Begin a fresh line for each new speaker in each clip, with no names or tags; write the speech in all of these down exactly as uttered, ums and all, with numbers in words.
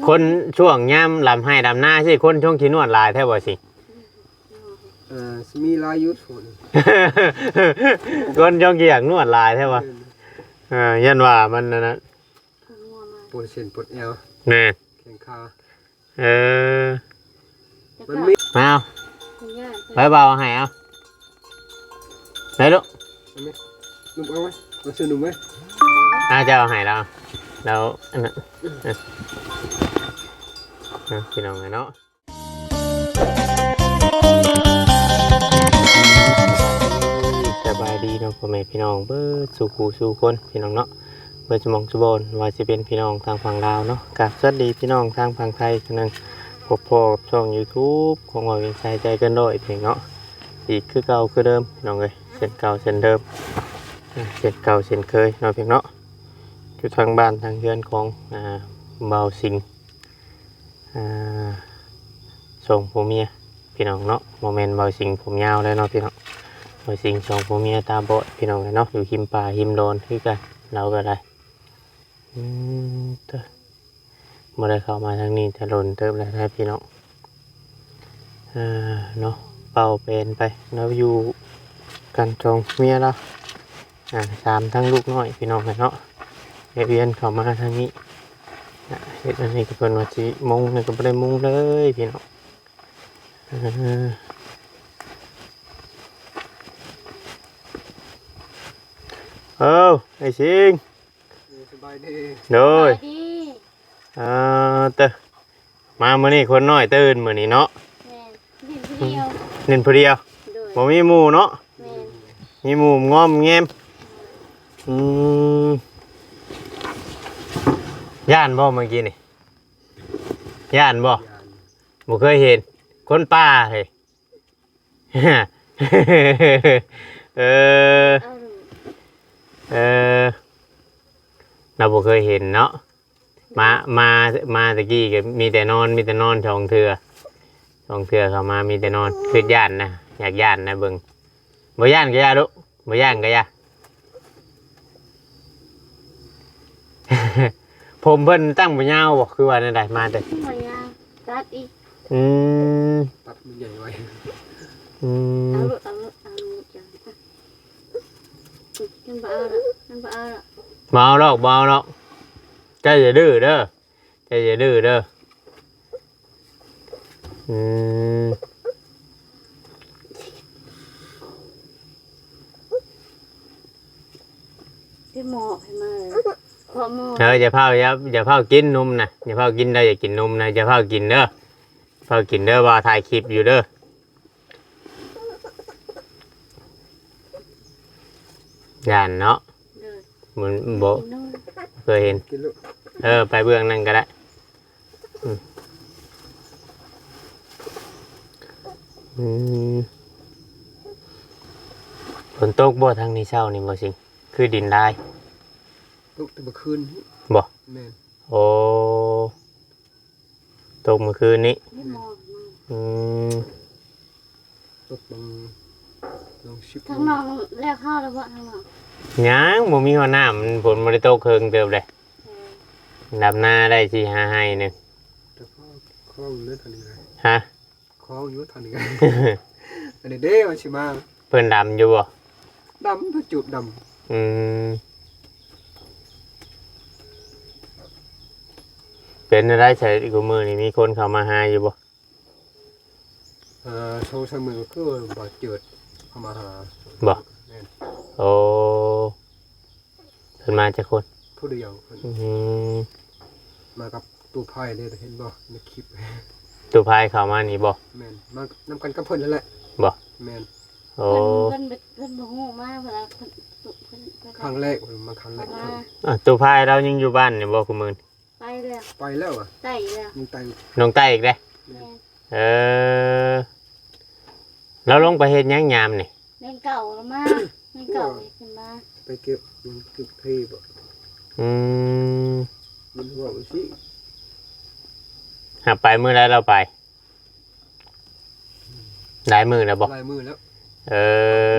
คนช่วงย่ำลำให้ดำหน้าสิคนช่วงขี้นวดลายแท้บ่สิ
เอ่อมีลายยุทธน
คนช่วงขี้อยากนวดลายแท้บ่เออยันว่ามันนั่นนะ
ปวดเส้นปวดเอว
แน่
แข้งขา
เออ
มันมี
มาเอาไปเบาให้เอาไหนลูก
นุ่มเอาไหมมาซื้อนุ่มไหม
เอาจะเอาให้เราแล้วอันนั้นพี่น้องไงเนาะสบายดีเนาะพ่อแม่พี่น้องเบิดสู่คู่สู่คนพี่น้องเนาะเบิดสมองสุบนว่าจะเป็นพี่น้องทางฝั่งลาวเนาะกับสวัสดีพี่น้องทางฝั่งไทยกันนึงพบพอกับช่อง YouTube ของเราเป็นใจใจกันด้วยเพียงเนาะอีกคือเก่าคือเดิมพี่น้องเลยเส้นเก่าเส้นเดิมเส้นเก่าเส้นเคยเนาะเพียงเนาะอยู่ทางบ้านทางเรือนของอ่าเบาสิงอ่าส่งผัวเมียพี่น้องเนาะโมเมนต์เบาสิงผมยาวเลยเนาะพี่น้องเบาสิงส่งผัวเมียตาบอดพี่น้องเลยเนาะอยู่หิมป่าหิมโดนคือกันเราก็ได้อืมเต้อเมื่อไรเข้ามาทางนี้จะหล่นเติมแล้วนะพี่น้องอ่าเนาะเป่าเป็นไปแล้วอยู่กันจองเมียแล้วอ่าสามทั้งลูกน้อยพี่น้องเลยเนาะเวียนเข้ามาทางนี้เห็นอันนี้ก็เป็นว่าจีมุงนี่ก็ไม่ได้มุงเลยพี่น้องเออไอ้สิง
สบายดี
โดยเออเตอมาเมื่อนี้คนน้อยตื่นเมื่อนี้เนาะเน้นผู้เดียวบ่มีหมู่เนาะมีหมู่งอมแงมอืมย่านบ่เมื่อกี้นี่ย่านบ่บ่เคยเห็นคนป่าเฮ้ย เออเออเราบ่เคยเห็นเนาะมามามาตะกี้ก็มีแต่นอนมีแต่นอนช่องเทือช่องเทือเข้ามามีแต่นอนคือย่านนะอยากย่านนะเบิ่งบ่ย่านก็ย่าลูกบ่ย่านก็ย่า ผมเพิ่นตั้งบ่ยาวบ่คือว่าได้มาแต่
บ่ยาวตัดอีก
อืม
ตัดมันใหญ่ไว้
อืม
เอาลูกเอาลูกเอาลูกจังมันบ่เอาละมันบ่เอาละ
บ่เอาหรอกบ่เอาหรอกใจอย่าดื้อเด้อใจอย่าดื้อเด้ออืม
ที่หมอให้มาขอหมอ
เอออย่าเผาอย่าอย่าเผากินนมนะอย่าเผากินได้อย่ากินนมนะอย่าเผากินเด้อเผากินเด้อว่าถ่ายคลิปอยู่เด้อย่านเนาะ
เด้อ
มันบ่
กินนม
เคยเห็น
กินลูก
เออไปเบื้องนั่นก็ได้อืมอืมฝนตกบ่ทางนี้เช้านี่บ่สิคือดินได้
ลูกแต่เมื่อคืน
บ่
แม่น
โอ้ตกเมื่อคืนนี้
ที่หมอมา
อืม
ลูกบางลองชิบ
ทางน้องแล้วเข้าแล้วบ่ทางน้อง
ยังบ่มีหัวหน้ามันฝนบ่ได้ตกเคิงเติบเลย
เออ
ดำหน้าได้สิหาให้หนึง
แต่พ่อคล้องเลือดทันยังไง
ฮะ
คล้องอยู่ทันยังไงอันนี้เด้มันชิมา
เพิ่นดำอยู่บ่
ดำถ้าจูบด
อืมเป็นอะไรใส่กูมือนี่มีคนเข้ามาหาอยู่บ่
ำเอ่อโชว์เสมอก็บาดเจ็บเข้ามาหา
บ่
แม่น
โอ้เพิ่นมาจากคน
ผู้เดียวเพิ่น
อืม
มากับตู้ไพ่เลยเห็นบ่ในคลิป
ตัวพายเข้ามานี่บ่
แม่นมานำกันกับเพิ่นนั่นแหละ
บ่
แม่น
โอ้
เพิ่นเพิ่นเพิ่นบ่ฮู้มาเวลาเพิ่นเพิ่นเพิ่นเพิ่น
ครั้งแรกเพิ่นมาครั้งแรก
มา
เพิ่น
อ่ะตัวพายเรายังอยู่บ้านนี่บ่คุมื้อ
ไปแล้ว
ไปแล้วอ่ะ
ไต่แล้ว
มึงตาย
น้องใต้อีกเด้
แม่
เออแล้วลงไปเฮ็ดหยังยามนี่
แม่เก่าแล้วมาแม่เก่าอีกขึ้นมา
ไปเก็บมันเก็บที่บ่
อืม
มันว่าสิ
หาไปมื้อใดเราไปได้มื้อแล้วบ่
ลายมือแล้ว
เออ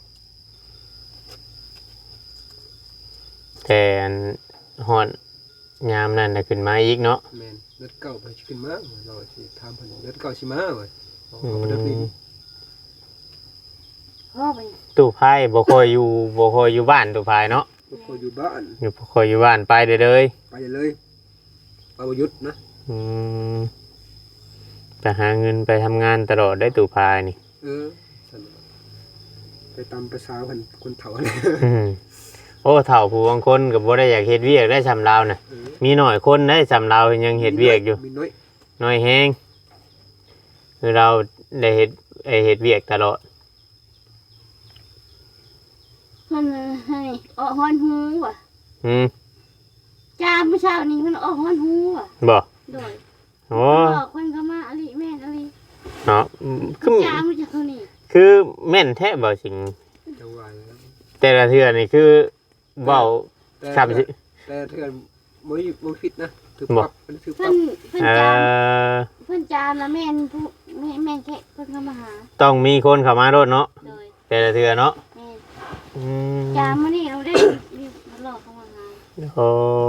แต่อันฮอดยามนั้นน่ะขึ้นมาอีกเนาะ
แม่นเลือดเก่าไปขึ้นมาเราสิถามเพิ่นเลือดเก่าสิมาเว้ยเอา
อื
เอาไปเลือดนี่
ม
พ่อไป
ตู้ไพ่บ่ค่อยอยู่บ่ค่อยอยู่บ้านตู้ไพ่เนาะ
บ่พออยู่บ้าน
อยู่บ่ค่อยอยู่บ้านไปเด้อเลย
ไปเลยไปบ่หยุดนะ
อืมไปหาเงินไปทำงานตลอดได้ตู้ไพ่นี่
เออซั่นน่ะไปตามภาษาเพิ่นคนเฒ่าเลย
อืมโอ้เฒ่าผู้บางคนก็บ่ได้อยากเฮ็ดเวียกได้สำลาวน่ะ
เออ
มีน้อยคนได้สำลาวยังเฮ็ดเวียกอยู่
มีน้อย
น้อยแฮงคือเราได้เฮ็ดไอ้เฮ็ดเวียกตลอด
มันให้ออกฮอนหูว่ะ
อืม
จ้าเมื่อเช้านี้มันออกฮอนหูว่ะ
บ่
โดย
โอ้
บอกคนก็มาอลิแม่นอลิ
เนาะอืมคือ
จ้ามันจะเขานี่
คือแม่นแท้บ่สิ่ง
จังหวะแล้ว
แต่ละเทื่อนี่คือเว้า
แต่
ครับ
แต่แต่เทื่อนบ่มีบ่ผิดนะถือ
บ่
ปรับเป็นถือป
เพิ่
รับ
นเพิ่น
เอ่
จาม
อ
เพิ่นจามแล้วแม่นผู้แม่แม่นแค่เพิ่นเข้ามาหา
ต้องมีคนเข้ามารถเนาะ
โดย
แต่ละเทื่อเนาะ
แม่น
อืม
จามมื้อนี้เราได้รีบมาหลอกเข้ามาหา
โอ้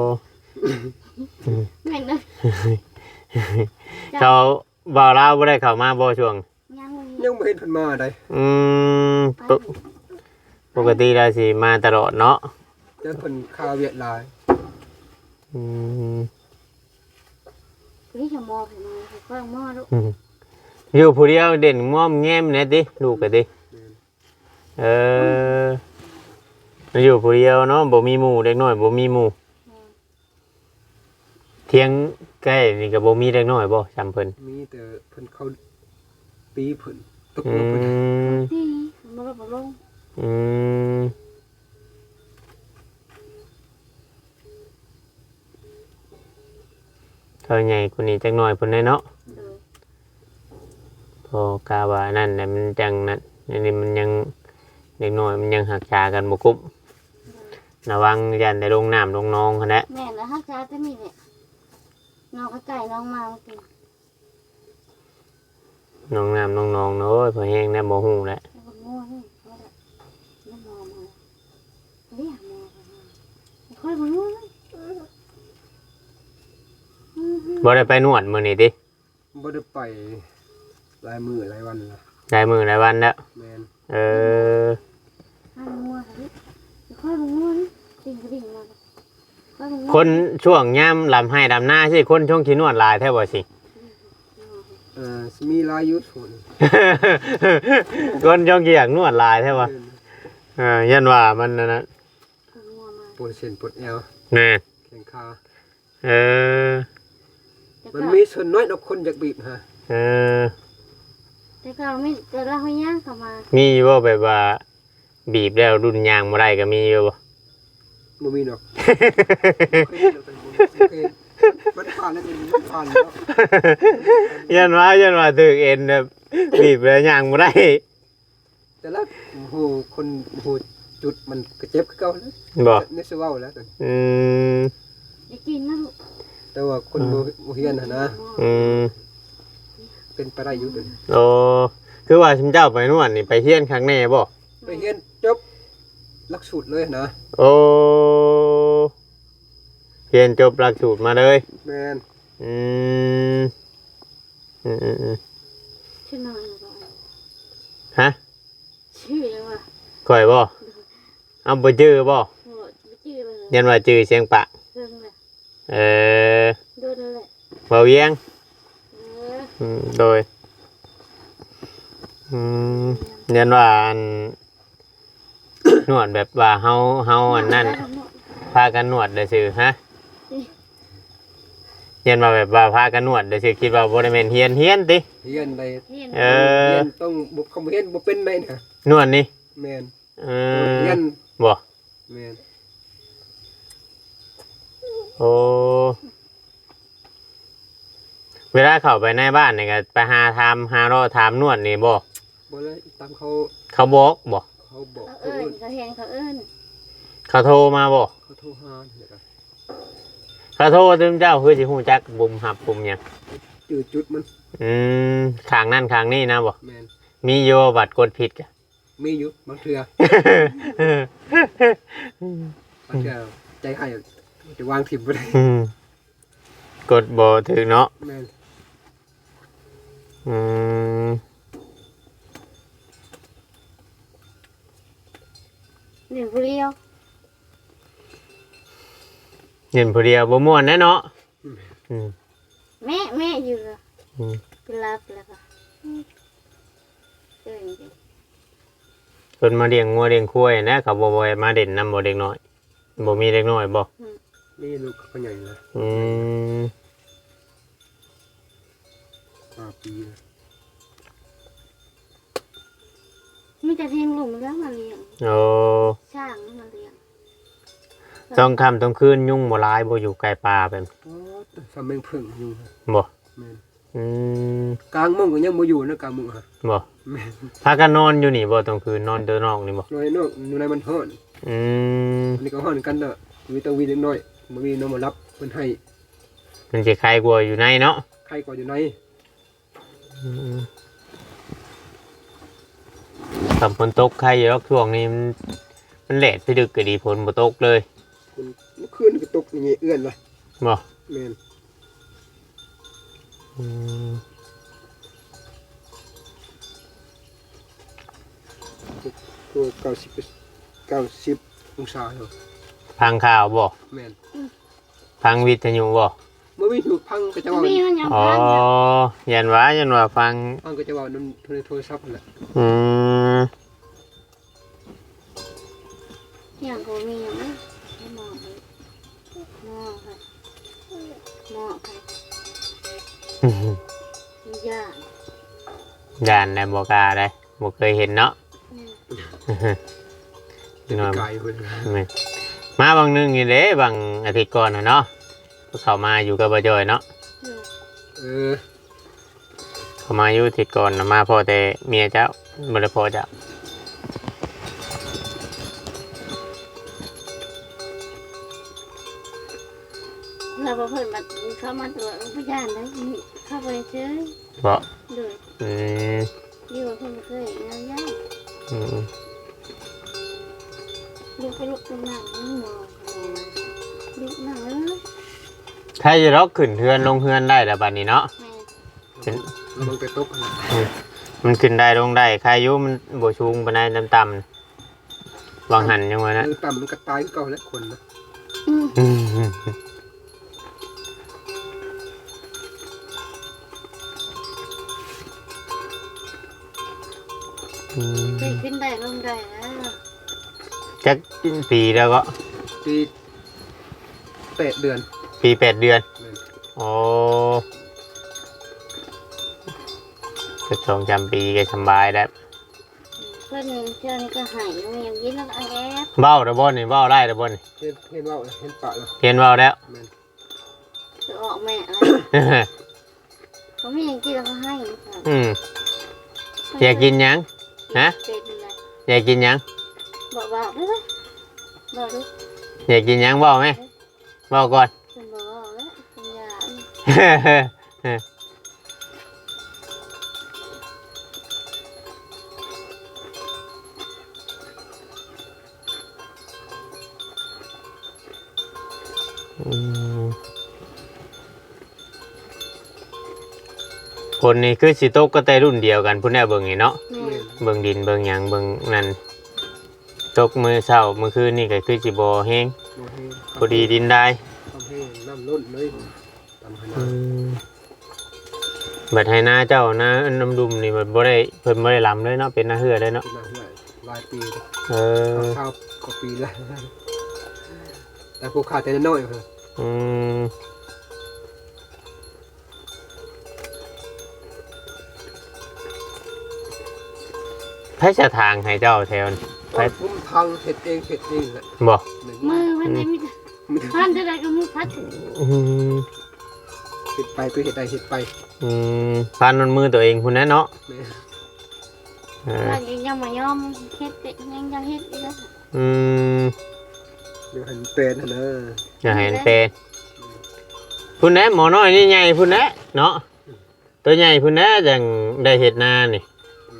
แม่นเด้อ
เขาบ่าวลาวบ่ได้เข้ามาบ่ช่วง
ยังบ่มี
ยังบ่เห็นเพิ่นมาได้
อืม
ไป
ปกปกติเราสิมาตลอดเนาะ
จังเพิ่นคาเวียดหลาย
อืม
นี่จะมอเพิ่นมาเพิ่นก็มอลูก
อยู่ผู้เดียวเด่นง่อมแง้มเนี่ยติลูกก็ติเอออยู่ผู้เดียวเนาะบ่มีหมู่เด็กน้อยบ่มีหมู่เที่ยงใกล้นี่ก็บ่มีเด็กน้อยบ่จำเพิ่น
มีแต่เพิ่นเขาตีเพิ่นตก
อื
ลงเพิ่น
ม
ที่มาลบบ่ลง
อืมเท่าใหญ่กว่านี้จักหน่อยเพิ่นได้เนาะ
โดย
พอกาว่านั่นน่ะมันจังนั่นอันนี้มันยังเด็กน้อยมันยังหักษากันบ่คุ้มระวังยันได้ลงน้ำลงหนองหั่นแหละ
แม่นแล้วฮักจ้าจะมีเนี่ยน้องก็ไก่น้องมาเมื่อกี้
น้องน้ำน้องนองเนาะโอ้ยพอแห้งแน่บ่ฮู้แหละ
แล้วก็งัวนี่ก็ได้แล้วมอมาเรียกมอมาค่อยมางัวเลย
บ่ได้ไปนวดมื้อนี้ติ
บ่ได้ไปหลายมื้อหลายวันละ
ได้มื้อได้วันแล้ว
แม่น
เออ
ห้ามงัวเลยค่อยมางัวนี่ดิ่งกระดิ่งมาค่อยมางัว
คนช่วงยามลำให้ลำหน้าสิคนช่วงที่นวดหลายแท้บ่สิ
เอ่อสิมีหลายอยู่ส่วน
คนช่วงที่อยากนวดหลายแท้บ่เออยันว่ามันนั่นน่ะ
งัวมา
ปวดเส้นปวดแอว
แน่
แข้งขา
เออ
แต่
มัน
ก็
มีส่วนน้อยดอกคนอยากบีบฮะ
เออ
แต่ก็ไม่แต่เราให้ย่างเข้ามา
มีอยู่บ่แบบว่าบีบแล้วรุ่นยางบ่ได้ก็มีอยู่บ่
บ่มีดอกเคยเห็นดอกแต่บ่เคยมันผ่านแล้วมันผ่านแล้ว
ยันว่ายันว่าถึกเอ็นแบบบีบแล้วยางบ่ได้
แต่ละโหคนโหจุดมันก็เจ็บคือเก่าแล้ว
บ่
นี่สิเว้าแล้วแต่
อืม
อย่ากินนะลูก
แต่ว่าคนบ่บ่เฮียนหั่นนะ
อืม
เป็นไปได้อยู่ตัวนี้
โอ้คือว่าชิมเจ้าไปนวดนี่ไปเฮียนครั้งแน่บ่
ไปเฮียนจบหลักสูตรเลยนะ
โอ้เรียนจบหลักสูตรมาเลย
แม่น
อืมอืมอืมอืม
ชื่อน้อยหรือเปล่า
ฮะ
ชื่อยังวะ
ข่อยบ่เอาบ่จื้อบ่
โหไม่ชื่อเลย
ยันว่าจื้อเสียงปะ
เรื่องเลย
เออ
โดนเลย
เบาเวียง
เออ
อืมโดยอืมยันว่าอัน นวดแบบว่าเฮาเฮาอันนั้นพากันนวดได้ซื่อฮะยันว่าแบบว่าพากันนวดได้ซื่อคิดว่าบ่ได้แม่นเฮียนเฮียนติ
เฮียนได้
เห็น
เออ
เฮียนต้องบ่คำเฮียนบ่เป็นได้นะ
นวดนี่
แม่น
เอ
เฮีย
อน บ่
แม่น
โอ้เวลาเข้าไปในบ้านนี่ก็ไปหาถามหารอถามนวดนี่บ่
บ่เลยตามเขา
เขาบอกบ่
เขาบอก
เขา
เขา
เอิญเขาเห็นเขาเอิญ
เขาโทรมาบ่
เขาโทรหาเนี่ยครับ
เขาโทรถึงเจ้าคือสิฮู้จักปุ่มหับปุ่มหยัง
จืดจุดมัน
อืมข้างนั่นข้างนี้นะบ่
แม่น
มีอยู่บัตรกดผิดกะ
มีอยู่บางเทื่อบางเทื่อใจให้จะวางถิ่มบ่ได้
อืมกดบ่ถึงเนาะ
แม่น
อืม
เดี๋ยวผู้เดียว
เห็นผู้เดียวบ่ม่วนแน่เนาะอืม
แม่แม่อยู่เหรอ
อืม
ไปรับแล้วก็เออจริง
เพิ่นมาเลี้ยงงัวเลี้ยงควายนะเขาบ่บ่ให้มาเด่นนำบ่เด็กน้อยบ่มีเด็กน้อยบ่
นี่ลูกเขาใหญ่นะ
อืม
ห้าปีนะ
ๆมีแต่เพียงลุงแล้วมาเลี้ยง
โอ้
ช่างมาเลี้ยง
ต้องค่ำต้องคืนยุ่งบ่หลายบ่อยู่ใกล้ป่าแบบ
โอ้สำเม็งพึ่งอยู่ฮะ
บ่
แม่น
อืม
กลางมุ้งก็ยังบ่อยู่นะกลางมุ้งฮะ
บ่
แม่น
พากันนอนอยู่นี่บ่ต้องคืนนอนเด้อนอกนี่บ่
น้อยนอกอยู่ในมันฮ้อน
อืม
อันนี้ก็ฮ้อนกันเด้อมีแตะวีเล็กน้อยบ่มีน้องมารับเพิ่นให้
มันสิใครกลัวอยู่ในเนาะ
ใครก็อยู่ใน
อืมถ้าฝนตกใครอยู่แล้วช่วงนี้มันมันแหลดพี่ดึกก็ดีฝนบ่ตกเลย
คุณเมื่อคืนก็ตกอย่างงี้เอื้อนล่ะ
บ่
แม่น
อืม
ตัวเก้าสิบเก้าสิบองศาอยู่
พังข่าวบ่
แม่น
พังวิทยุบ่
เมื่อมีถูกพังก็จะว่า
มีมันยัง
อ๋อ
พังอยู่
ยันว่ายันว่าฟัง
พังก็จะว่านํโทรศัพท์นั่นแหละ
อืม
อย่างกูมีอย่างนี้ให้หมอไปหมอค่ะหมอค่ะมียา
ย่านในบ่กล้าได้บ่เคยเห็นเนาะ
จะไปไกลเพิ่น
นี่มาบางนึงนี่เด้บางอาทิตย์ก่อนน่ะเนาะเขามาอยู่กับบ่จอยเนาะ
เออ
เขามาอยู่อาทิตย์ก่อนน่ะมาพอแต่เมียเจ้าบ่ได้พอเจ้า
เราเพิ่นมาเข้ามาตรวจพยานได้เข้าไปเฉย
บ่
เลย
อืม
อยู่เพิ่นเคยงานยาก
อืม
ลูกไปลูกไปนั่งนี่หมอลูกนั่งเออ
ถ้าจะล็อกขึ้นเฮือนลงเฮือนได้แล้วบัดนี้เนาะ
แม่
ลงไปตกนะ
มันขึ้นได้ลงได้ใครอยู่มันบ่สูงปานใดต่ำๆวางหันยังว่านะ
คือต่ำมันก็ตายคือเก่าแล้วคนนะ
อืม
อืม อืม
ได้ขึ้นได้ลงได้แล้ว
จักปีแล้วก็
ปีแปดเดือน
ปีแปดเดือน
แม่น
โอ้ก็สองจำปีก็สบายแล้ว
เพิ่นเชื่อนี่ก็หายมันยังยิ้มแล้วก็แอบ
เบ้าระบนนี่เบ้าได้ระบนนี่
เห็นเห็นว่าเห็นปะแล้ว
เห็นเบ้าแล้ว
แม่น
จะออกแม่อะไรเขาไม่ยังกินแล้วก็ให้ค่ะ
อืมอยากกินหยัง ฮะ
เป็นอะไร
อยากกินหยัง
บอกบอกได้ไหมบอกดู
อยากกินหยังเบ้าไหมเบ้าก่อน
เป็นบอกแล้วเป็นยา
อืมคนนี้คือสิโตกก็แต่รุ่นเดียวกันพุ่นแน่เบิ่งนี่เนาะ
แม่
แม่น
เบิ่งดินเบิ่งหยังเบิ่งนั่นตกมือเช้ามื้อคืนนี่ก็คือสิบ่แห้ง
บ่ให้
พอดีดินได้
ทำให้น้ำล้นเลยตำขนา
อื
ด
มบัดให้หน้าเจ้าหน้าน้ำดุมนี่มันบ่ได้เพิ่นบ่ได้ลำเลยเนาะเป็นหน้าเหือได้เนาะ
เป็นมาเหื่อยหลายปีแล้ว
เออ
ข้าวกว่าปีแล้วแต่พวกขาดแต่น้อยๆเพิ่น
อืมไผจะทางให้เจ้าแถวนี่ไผ
ผมทางเห็ดเองเห็ดเองแหละ
บ่
หนึ่ง
มือมันไม่มีพันจะได้ก็มือพัด
อืม
เห็ดไปก็เห็ดใดเห็ดไป
อืมพานมันมือตัวเองพุ่นแน่เนาะ
แม่
เออ
ว่ายังยังมายอมเฮ็ดยังยังเฮ็ดอีกแล้ว
อืม
เดี๋ยวหันเป็นหั่นนะ
อย่าให้มันเป็นพุ่นแน่หมอน้อยนี่ใหญ่พุ่นแน่เนาะตัวใหญ่พุ่นแน่จังได้เฮ็ดนานี่
แม่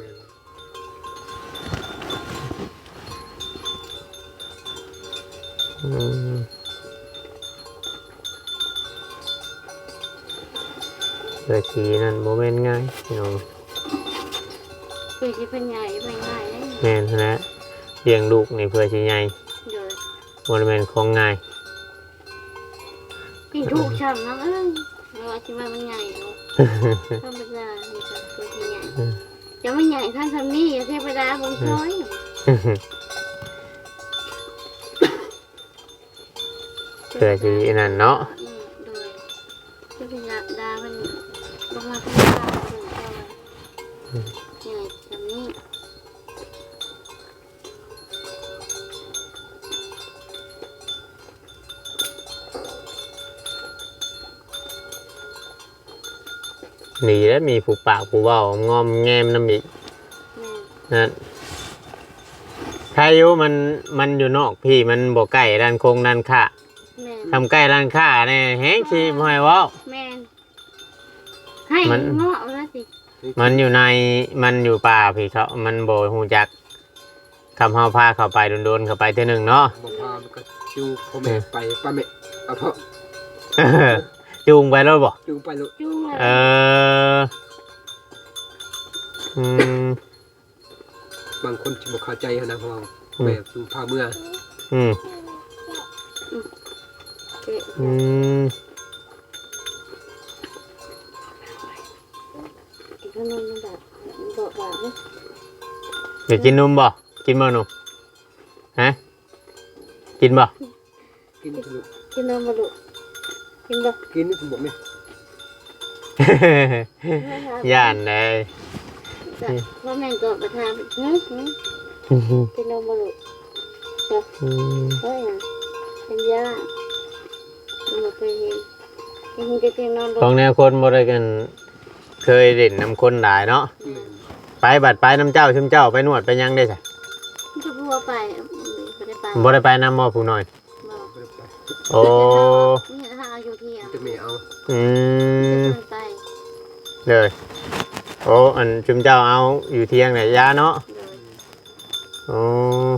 อืมเกิดสีนั่นโมเมนต์ง่ายพี่น้อง
เพื่อที่เป็นใหญ่เป็นง่ายเลย
แม่นนะเลี้ยงลูกนี่เพื่อสิใหญ่
เดี๋ยว
บ่ได้แม่นของง่าย
กินถูกช่ำน้ำเอ้ยไม่ว่าที่ว่ามันใหญ่เนาะธรรมดานี่จ้ะเพื่อที่ใหญ่จะไม่ใหญ่ท่านทำนี่เทวดาบงช้อย
เพื่อสินั่นเนาะ
อืมโดยเทวดามันลงมาข้างล่างบงช้อยใหญ่ทำนี่
ดีแล้วมีผู้ปากผู้เว้างอมแงมน้ำอีก
แม่
นั่นใครอยู่มันมันอยู่นอกพี่มันบ่ใกล้ด้านโคงด้านข้า
แม่
ทำใกล้ร้านค้าเนี่ยแฮงชีบ่ให้เว้า
แม่ให้
มัน
เงาะแล้วสิ
มันอยู่ในมันอยู่ป่าพี่เขามันบ่ฮู้จักคำเฮาพาเข้าไปโดนๆเข้าไปเทื่อหนึงเนาะ
บ่พามันก็จูงพ่อแม่ไปป้าแม่เอาเพราะ
จูงไปแล้วบ่
จูงไปลูก
จุ้งเลย
เอออืม
บางคนจะบ่เข้าใจนะเพราะว่าแม่เพิ่งพาเมื่อ
อืม
เจ๊
อืม
กินขนมมันแบบบอกว่าเฮ้ย
เดี๋ยวกินนมบ่กินบ่หนูฮะกินบ่
กินลูก
กินนมมาลูกกินบ่
กินนี่ผมบอกแม่
ย่านเลย
จ้ะว่าแม่ก็ประทานหืมหืมกินนมมาลูกจ้ะ
อืม
เฮ้ยนะเป็นยามันบ่เคยเห็นกินจะกินนอนบ่
ของแนวคนบ่ได้กันเคยเล่นน้ำคนหลายเนาะ
แม่น
ไปบัดไปน้ำเจ้าชุมเจ้าไปนวดไปหยังได้ใช่
มันจะพัวไปไม่ได้ไป
บ่ได้ไปน้ำมอผู้น้อย
บ่
บ่ได้ไป
โอ้
มีทางเอาอยู่ที่อ่ะ
จะแม่เอา
อืม
จะไป
เลยโอ้อันชุมเจ้าเอาอยู่เที่ยงไหนยาเนาะ
เลย
โอ้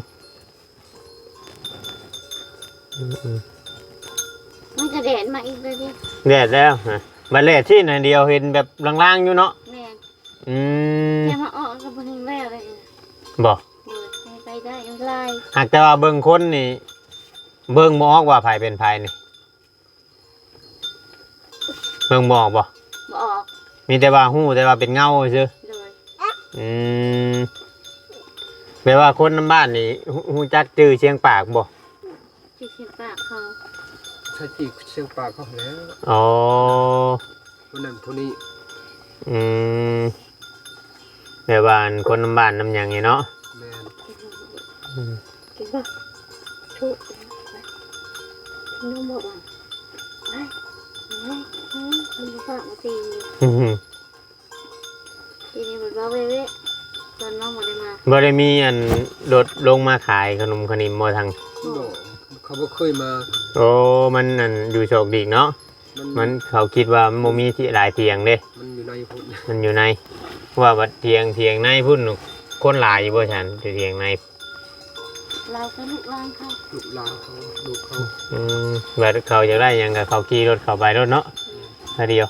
อืมอืม
มันจะแดดมาอีกเลยดิ
แดดแล้วฮะบัดเลดที่ไหนเดียวเห็นแบบลางๆอยู่เนาะ
แม่
อืม
แค่มาออกกับเพิ่งแม่เลย
บ่
เลยไปได้ยังไล่
หากแต่ว่าเบิ่งคนนี่เบิ่งบ่ออกว่าไผเป็นไผนี่เบิ่งบ่ออกบ่
บออก
มีแต่ว่าฮู้แต่ว่าเป็นเงาซื่อ
เลย
อืมแปลว่าคนน้ำบ้านนี่ฮู้ฮู้จักจื้อเชียงปากบ่
ที่เขียนปากเขา
ใช้จีเสียงปากเขาแล้ว
อ๋อ
วันนั้นผู้นี้
อืมแปลว่าคนน้ำบ้านน้ำหยังนี่เนาะ
แม่น
อืม
กินป่ะทุกน้องบอกว่าไปไปมันฝากมาตีนอยู่
อืม
ทีนี้มันว่าเว้ยตอนน้องมาได้มา
บ่ได้มีอันรถลงมาขายขนมขนิมบ่ทาง
บ่เขาบ่เคยมา
โอ้มันอันอยู่โชคดีเนาะ
มัน
มันเขาคิดว่ามันบ่มีที่หลายเตียงเด้
มันอยู่ในพุ่น
มันอยู่ในว่าบัดเทียงเทียงในพุ่นคนหลายอยู่บ่ฉันเทียงใน
เราก็ลูกล่างเขา
ลูกหลานเขาลูกเขา
อืมบัดเขาอยากได้หยังก็เขาขี่รถเข้าไปรถเนาะทีเดียว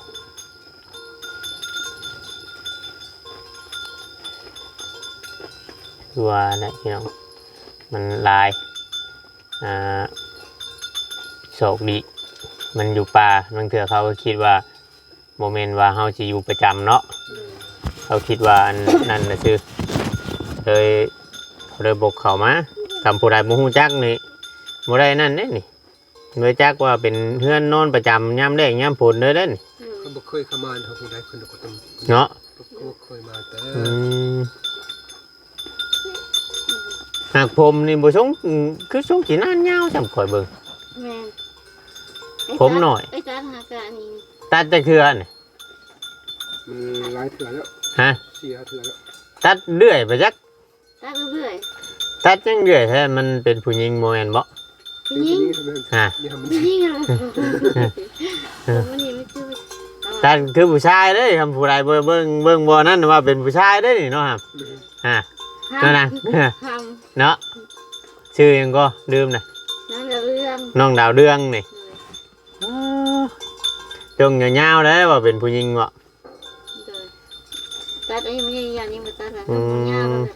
คือว่านะพี่น้องมันหลายอ่าโชคดีมันอยู่ป่าบางเถื่อเขาก็คิดว่าโมเมนต์ว่าเฮาสิอยู่ประจำเนาะ เขาคิดว่าอัน นั่นนะชื่อเลยเขาเลยบกเขามาทำผู้ใดบ่ฮู้จักนี่บ่ได้นั่นเด้นี่บ่จักว่าเป็นเฮือนนอนประจำยามแลงยามฝนเด้อเด้นี่
เขาบ่เคยเข้ามาเขาผู้ใดคนก็ต้อง
เนาะ
เขาบ่เคยมาแต่
อืมหากผมนี่บ่ชงอืมคือชงสินานยาวจำข่อยเบิ่ง
แม่
ผมหน่อย
ไอ้จานหากะนี่
ตัดจักเทื่อนี่
มันหลายเถื่อแล้ว
ฮะ
เสียเถื่อแล้ว
ตัดเรื่อยไปจัก
ตัดเรื่อย
ตัดจังเรื่อยแท้มันเป็นผู้หญิงบ่แม่นบ่
ๆยิง
ฮะ
นี่ทำมัน
ยิงอะไรมันยังไม่ชื่อ
ตัดคือผู้ชายเด้คำผู้ใดเบิ่งเบิ่งเบิ่งบ่นั่นว่าเป็นผู้ชายเด้นี่เนาะครับฮะ นั่นน่ะ
ท
เนาะชื่อหยังก็ลืมนะ
ำนั่นเรื่อง
น้องดาวเรืองนี่จงยาวๆเลยว่าเป็นผู้หญิงวะ
อ้ยไม่ใช่ยานี้มาตัดละต้องยาแล้ว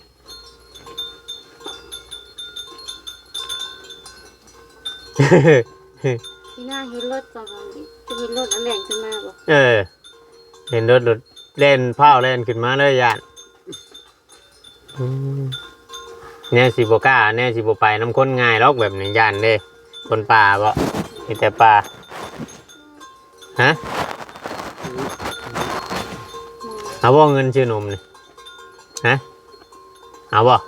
ที่หน้าเห็นรถก่อนจะเห็นรถอันแรงขึ้นมาบ่
เออเห็นรถรถเล่นเผาเล่นขึ้นมาเลยย่านอืมแน่สิบกล้าแน่สิบไปน้ำข้นง่ายหรอกแบบนี้ย่านเด้คนป่าบ่มีแต่ป่าฮะเอาบ่เงินชื่อหนุ่มนี่ฮะเอาบ่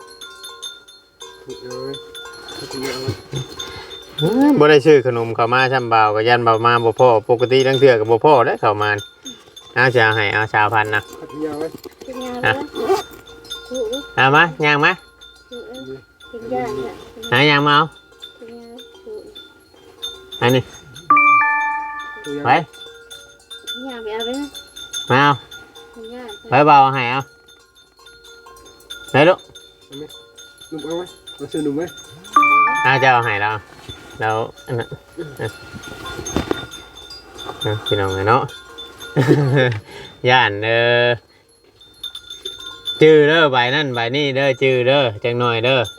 บ่ได้ชื่อขนมเข้ามาช่ำเบาก็ยันเบามาบ่พ่อปกติทั้งเทื่อกับบ่พ่อได้เข้ามาเอาจะเอาให้เอาชาวพันธุ์นะ
ยาวไว้
เป็นยาแล้ว
เอามาย่างมา
เป็นยาเนี่ย
หาย่างมาเอา
เป็นยา
อันนี้ไป
ยาไปเอาไปนะ
มาเอา
เป็นยา
ไปเบาเอาให้เอาไปลูก
นุ่มเอาไว้มาซื้อนุ่มไว้
เอาจะเอาให้เราแล้วอันนั้นเอาพี่น้องไงเนาะ ย่านเด้อจื้อเด้อใบนั่นใบนี่เด้อจื้อเด้อจังหน่อยเด้อ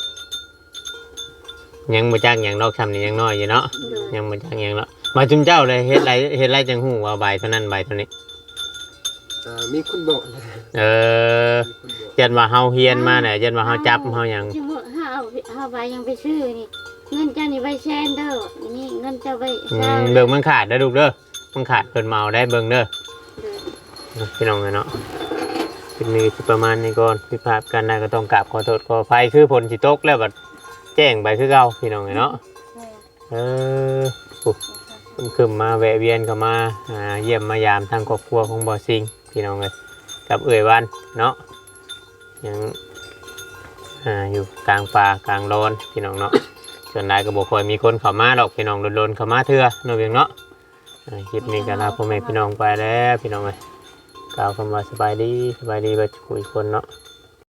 ยังบ่จักหยังดอกทำนี่ยังน้อยอยู่เนาะยังบ่จักหยังเนาะมาจุมเจ้าเลยเฮ็ดไรเฮ็ดไรจังหูว่าใบเท่านั้นใบเท่านี้
มีคนบอก
เออยันว่าเฮาเฮียนมาเนี่ยยันว่าเฮาจับเฮาหยัง
ที่มือห้าเอาห้าใบยังไปซื้อนี่เงินเจ้านี่ใบแซนเด้อนี่เงินเจ้าใบ
อื
เช้าม
เบิ่งมันขาดเด้อลูกเด้อมันขาดเพิ่นเมาได้เบิ่งเด้อพี่น้องเนาะคลิปนี้สิประมาณนี้ก่อนผิดพลาดกันได้ก็ต้องกราบขอโทษขออภัยคือฝนสิตกแล้วบัดแจ้งไปคือเก่าพี่น้องเนาะเออปุ๊บเพิ่นขึ้นมาแวะเวียนเข้ามาอ่าเยี่ยมมายามทางครอบครัวของบ่อซิงพี่น้องเอ้ยกับเอ่ยวันเนาะยังอ่าอยู่กลางป่ากลางโลนพี่น้องเนาะส่วนใหญ่ก็บ่ค่อยมีคนเข้ามาดอกพี่น้องโดนๆเข้ามาเทื่อเนาะเพียงเนาะอ่าคลิปนี้ก็ลาพ่อแม่พี่น้องไปแล้วพี่น้องเอ้ยกล่าวคำว่าสบายดีสบายดีบัดคุยคนเนาะ